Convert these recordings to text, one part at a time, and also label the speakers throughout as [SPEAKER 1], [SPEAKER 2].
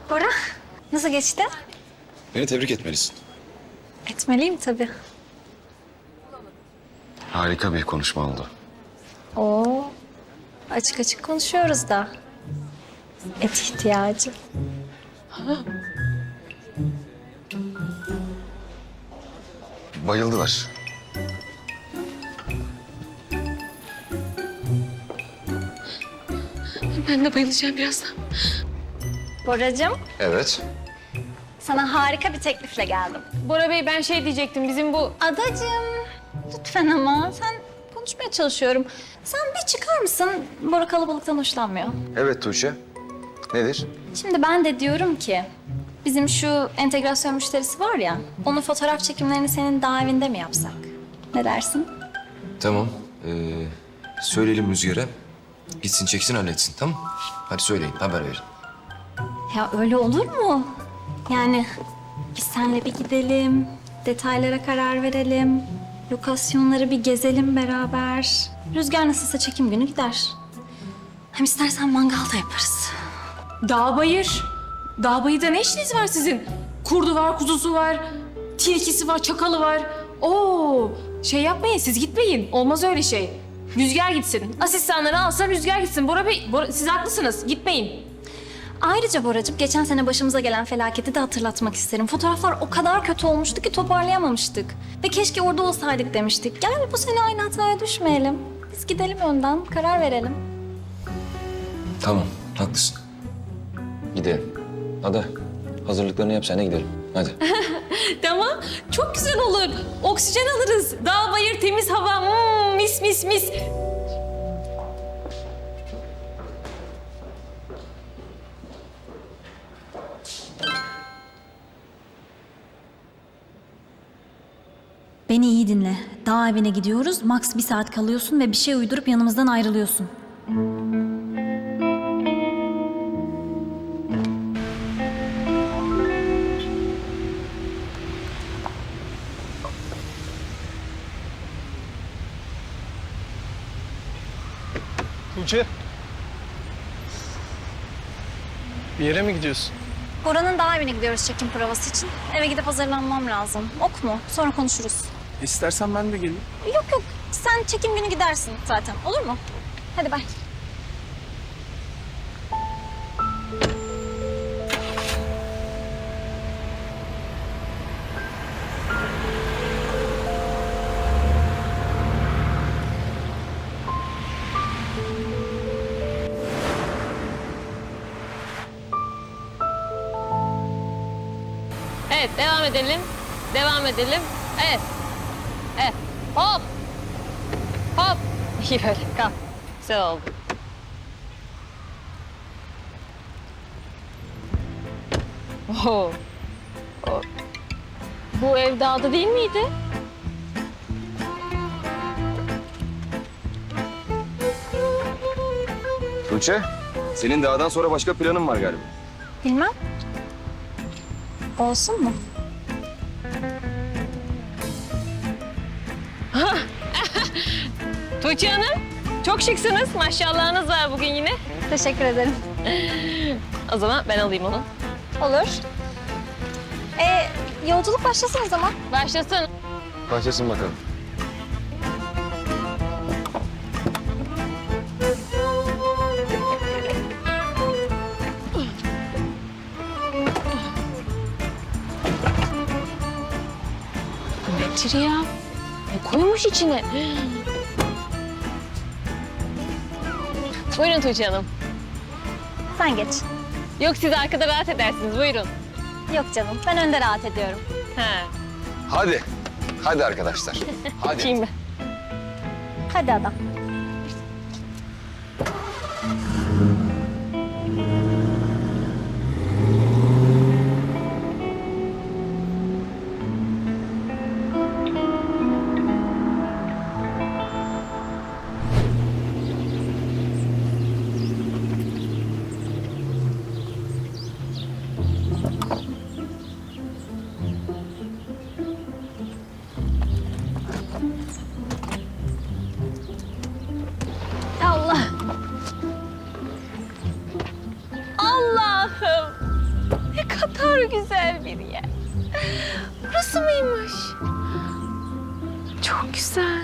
[SPEAKER 1] Bora, nasıl geçti?
[SPEAKER 2] Beni tebrik etmelisin.
[SPEAKER 1] Etmeliyim tabii.
[SPEAKER 2] Harika bir konuşma oldu.
[SPEAKER 1] Oo, açık açık konuşuyoruz da. Et ihtiyacı.
[SPEAKER 2] Bayıldılar.
[SPEAKER 3] Ben de bayılacağım birazdan.
[SPEAKER 1] Boracığım,
[SPEAKER 2] Evet.
[SPEAKER 1] sana harika bir teklifle geldim.
[SPEAKER 3] Bora Bey ben şey diyecektim bizim bu...
[SPEAKER 1] Adacığım, lütfen ama sen konuşmaya çalışıyorum. Sen bir çıkar mısın? Bora kalabalıktan hoşlanmıyor.
[SPEAKER 2] Evet Tuğçe. Nedir?
[SPEAKER 1] Şimdi ben de diyorum ki, bizim şu entegrasyon müşterisi var ya, onun fotoğraf çekimlerini senin daha evinde mi yapsak? Ne dersin?
[SPEAKER 4] Tamam. Söyleyelim Rüzgar'a. Gitsin çeksin halletsin, tamam? Hadi söyleyin, haber verin.
[SPEAKER 1] Ya öyle olur mu? Yani biz seninle bir gidelim, detaylara karar verelim, lokasyonları bir gezelim beraber. Rüzgar nasılsa çekim günü gider. Hem istersen mangal da yaparız.
[SPEAKER 3] Dağ bayır. Dağ bayırda ne işiniz var sizin? Kurdu var, kuzusu var, tilkisi var, çakalı var. Oo, şey yapmayın, siz gitmeyin. Olmaz öyle şey. Rüzgar gitsin. Asistanları alsa Rüzgar gitsin. Bora Bey, siz haklısınız. Gitmeyin.
[SPEAKER 1] Ayrıca Boracığım, geçen sene başımıza gelen felaketi de hatırlatmak isterim. Fotoğraflar o kadar kötü olmuştu ki toparlayamamıştık. Ve keşke orada olsaydık demiştik. Gel bu sene aynı hataya düşmeyelim. Biz gidelim önden, karar verelim.
[SPEAKER 4] Tamam, haklısın. Gidelim. Ada, hazırlıklarını yap, sen de gidelim. Hadi.
[SPEAKER 3] Tamam, çok güzel olur. Oksijen alırız. Dağ bayır, temiz hava. Mis mis mis.
[SPEAKER 1] Beni iyi dinle. Dağ evine gidiyoruz. Max 1 saat kalıyorsun ve bir şey uydurup yanımızdan ayrılıyorsun.
[SPEAKER 5] Tuğçe. Bir yere mi gidiyorsun?
[SPEAKER 1] Bora'nın dağ evine gidiyoruz çekim provası için. Eve gidip hazırlanmam lazım. Ok mu? Sonra konuşuruz.
[SPEAKER 5] İstersen ben de geleyim.
[SPEAKER 1] Yok yok. Sen çekim günü gidersin zaten. Olur mu? Hadi bay.
[SPEAKER 3] Evet, devam edelim. Devam edelim. Evet. Evet. Hop. Hop. İyi böyle, kalk. Güzel oldu. Oo. Bu ev dağda değil miydi?
[SPEAKER 2] Tuğçe, senin dağdan sonra başka planın var galiba.
[SPEAKER 1] Bilmem. Olsun mu?
[SPEAKER 3] Tuğçe Hanım, çok şıksınız. Maşallahınız var bugün yine.
[SPEAKER 1] Teşekkür ederim.
[SPEAKER 3] O zaman ben alayım onu.
[SPEAKER 1] Olur. Yolculuk başlasın o zaman.
[SPEAKER 3] Başlasın.
[SPEAKER 2] Başlasın bakalım.
[SPEAKER 3] Nedir ya? Ne koymuş içine? Buyurun Tuğçe Hanım.
[SPEAKER 1] Sen geç.
[SPEAKER 3] Yok siz arkada rahat edersiniz. Buyurun.
[SPEAKER 1] Yok canım. Ben önde rahat ediyorum.
[SPEAKER 3] Ha.
[SPEAKER 2] Hadi. Hadi arkadaşlar. Hadi.
[SPEAKER 3] Açayım ben.
[SPEAKER 1] Hadi adam.
[SPEAKER 3] kadar güzel bir yer. Burası mıymış? Çok güzel.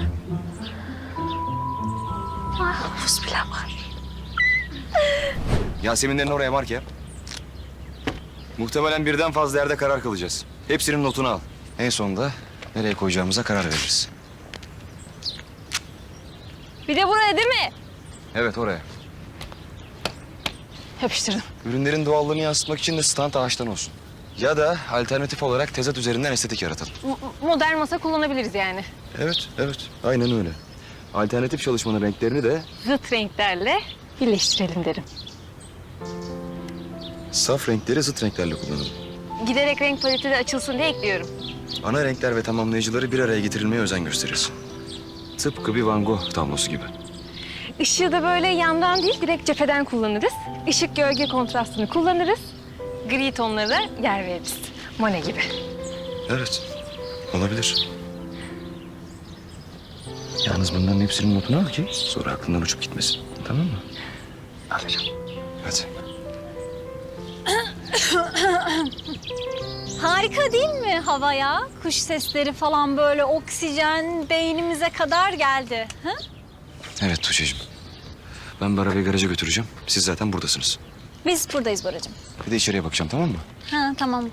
[SPEAKER 3] Ay, havuz bile var.
[SPEAKER 2] Yaseminlerin oraya mark yap. Muhtemelen birden fazla yerde karar kılacağız. Hepsinin notunu al. En sonunda nereye koyacağımıza karar veririz.
[SPEAKER 3] Bir de buraya değil mi?
[SPEAKER 2] Evet, oraya.
[SPEAKER 3] Yapıştırdım.
[SPEAKER 2] Ürünlerin doğallığını yansıtmak için de stand ağaçtan olsun. Ya da alternatif olarak tezat üzerinden estetik yaratalım.
[SPEAKER 3] Modern masa kullanabiliriz yani.
[SPEAKER 2] Evet, evet. Aynen öyle. Alternatif çalışmanın renklerini de
[SPEAKER 3] Zıt renklerle birleştirelim derim.
[SPEAKER 2] saf renkleri zıt renklerle kullanalım.
[SPEAKER 3] Giderek renk paleti de açılsın diye ekliyorum.
[SPEAKER 2] Ana renkler ve tamamlayıcıları bir araya getirilmeye özen gösterirsin. Tıpkı bir Van Gogh tablosu gibi.
[SPEAKER 3] Işığı da böyle yandan değil, direkt cepheden kullanırız. Işık gölge kontrastını kullanırız. Gri tonlara da yer veririz. Monet gibi.
[SPEAKER 2] Evet, olabilir. Yalnız bunların hepsinin notunu al ki sonra aklından uçup gitmesin. Tamam mı? Alacağım. Hadi.
[SPEAKER 1] Harika değil mi havaya? Kuş sesleri falan böyle oksijen beynimize kadar geldi. Ha?
[SPEAKER 2] Evet Tuğçe'cim. Ben bir arabayı garaja götüreceğim. Siz zaten buradasınız.
[SPEAKER 1] Biz buradayız Boracığım.
[SPEAKER 2] Bir de içeriye bakacağım, tamam mı?
[SPEAKER 1] Ha tamam.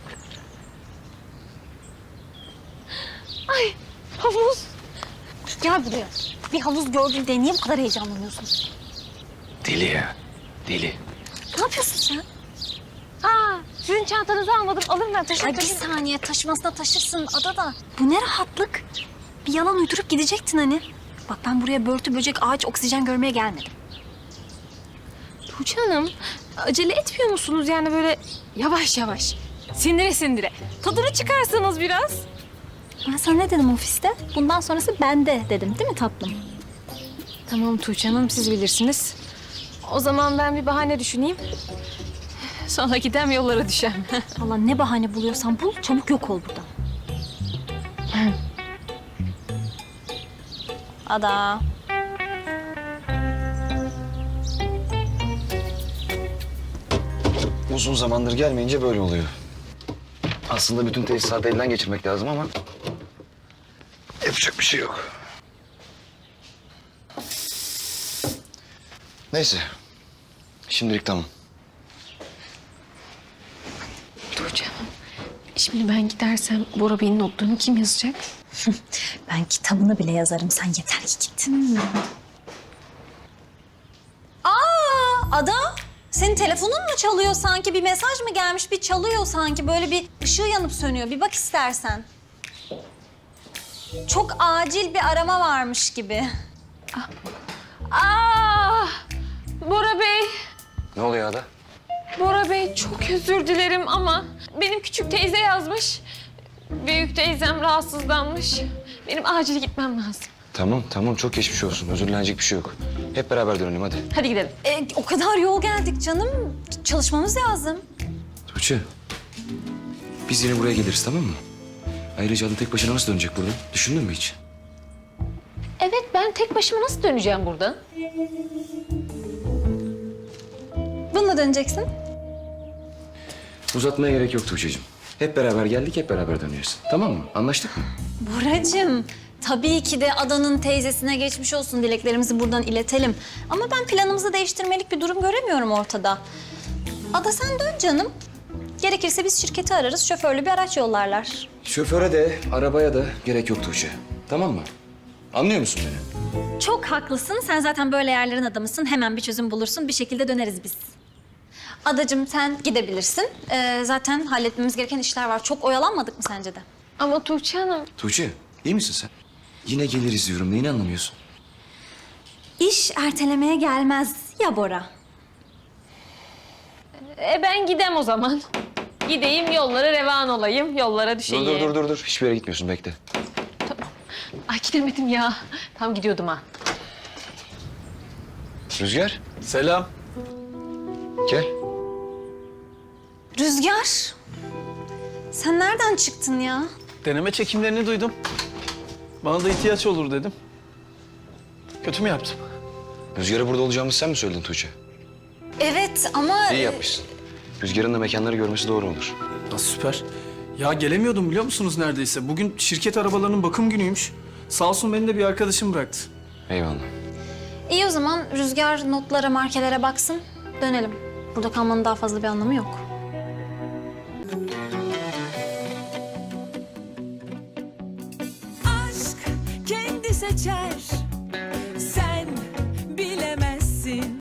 [SPEAKER 3] Ay, havuz.
[SPEAKER 1] Gel buraya. Bir havuz gördün diye niye bu kadar heyecanlanıyorsun?
[SPEAKER 2] Deli ya. Deli.
[SPEAKER 1] Ne yapıyorsun sen?
[SPEAKER 3] Aa, sizin çantanızı almadım. Alırım ben, teşekkür
[SPEAKER 1] Ay bir
[SPEAKER 3] ederim.
[SPEAKER 1] saniye taşımasına taşırsın adada. Bu ne rahatlık. Bir yalan uydurup gidecektin hani. Bak ben buraya börtü böcek ağaç oksijen görmeye gelmedim.
[SPEAKER 3] Tuğçe Hanım, acele etmiyor musunuz yani böyle yavaş yavaş? Sindire sindire. Tadını çıkarsanız biraz.
[SPEAKER 1] Ben sana ne dedim ofiste? Bundan sonrası bende dedim değil mi tatlım?
[SPEAKER 3] Tamam Tuğçe Hanım, siz bilirsiniz. O zaman ben bir bahane düşüneyim. Sonra gidem yollara düşem.
[SPEAKER 1] Allah ne bahane buluyorsan bul çabuk yok ol buradan. Ada.
[SPEAKER 2] Uzun zamandır gelmeyince böyle oluyor. Aslında bütün tesisatı elden geçirmek lazım ama yapacak bir şey yok. Neyse. Şimdilik tamam.
[SPEAKER 3] Tuğçe Hanım, şimdi ben gidersem Bora Bey'in notlarını kim yazacak?
[SPEAKER 1] Ben kitabını bile yazarım. Sen yeter ki git. Ada, senin telefonun mu çalıyor sanki? Bir mesaj mı gelmiş? Bir çalıyor sanki. Böyle bir ışığı yanıp sönüyor. Bir bak istersen. Çok acil bir arama varmış gibi.
[SPEAKER 3] Aa, Bora Bey,
[SPEAKER 2] Ne oluyor Ada?
[SPEAKER 3] Bora Bey çok özür dilerim ama benim küçük teyze yazmış. Büyük teyzem rahatsızlanmış. Benim acil gitmem lazım.
[SPEAKER 2] Tamam çok geçmiş olsun. Özürlenecek bir şey yok. Hep beraber dönelim hadi.
[SPEAKER 3] Hadi gidelim.
[SPEAKER 1] O kadar yol geldik canım. Çalışmamız lazım.
[SPEAKER 2] Tuğçe. Biz yine buraya geliriz tamam mı? Ayrıca Ada tek başına nasıl dönecek buradan? Düşündün mü hiç?
[SPEAKER 3] Evet, ben tek başıma nasıl döneceğim buradan?
[SPEAKER 1] Bununla döneceksin.
[SPEAKER 2] Uzatmaya gerek yok Tuğçe'cim. Hep beraber geldik, hep beraber dönüyoruz. Tamam mı? Anlaştık mı?
[SPEAKER 1] Boracığım, tabii ki de Adan'ın teyzesine geçmiş olsun. Dileklerimizi buradan iletelim. Ama ben planımızı değiştirmelik bir durum göremiyorum ortada. Ada sen dön canım. Gerekirse biz şirketi ararız, şoförlü bir araç yollarlar.
[SPEAKER 2] Şoföre de, arabaya da gerek yok Tuğçe. Tamam mı? Anlıyor musun beni?
[SPEAKER 1] Çok haklısın. Sen zaten böyle yerlerin adamısın. Hemen bir çözüm bulursun. Bir şekilde döneriz biz. Adacığım sen gidebilirsin. Zaten halletmemiz gereken işler var. Çok oyalanmadık mı sence de?
[SPEAKER 3] Ama Tuğçe Hanım,
[SPEAKER 2] Tuğçe, iyi misin sen? Yine geliriz diyorum. Neyini anlamıyorsun?
[SPEAKER 1] İş ertelemeye gelmez ya Bora.
[SPEAKER 3] ben gidem o zaman. Gideyim, yollara revan olayım, yollara düşeyim.
[SPEAKER 2] Dur. Hiçbir yere gitmiyorsun. Bekle.
[SPEAKER 3] Ay gidemedim ya. Tam gidiyordum ha.
[SPEAKER 2] Rüzgar,
[SPEAKER 5] Selam.
[SPEAKER 2] gel.
[SPEAKER 1] Rüzgar. Sen nereden çıktın ya?
[SPEAKER 5] Deneme çekimlerini duydum. Bana da ihtiyaç olur dedim. Kötü mü yaptım?
[SPEAKER 2] Rüzgar'a burada olacağımızı sen mi söyledin Tuğçe?
[SPEAKER 1] Evet ama...
[SPEAKER 2] İyi yapmışsın. Rüzgar'ın da mekanları görmesi doğru olur.
[SPEAKER 5] Ya süper. Ya gelemiyordum biliyor musunuz neredeyse? Bugün şirket arabalarının bakım günüymüş. Sağ olsun beni de bir arkadaşım bıraktı.
[SPEAKER 2] Eyvallah.
[SPEAKER 1] İyi o zaman Rüzgar notlara, markelere baksın. Dönelim. Burada kalmanın daha fazla bir anlamı yok.
[SPEAKER 6] aşk kendi seçer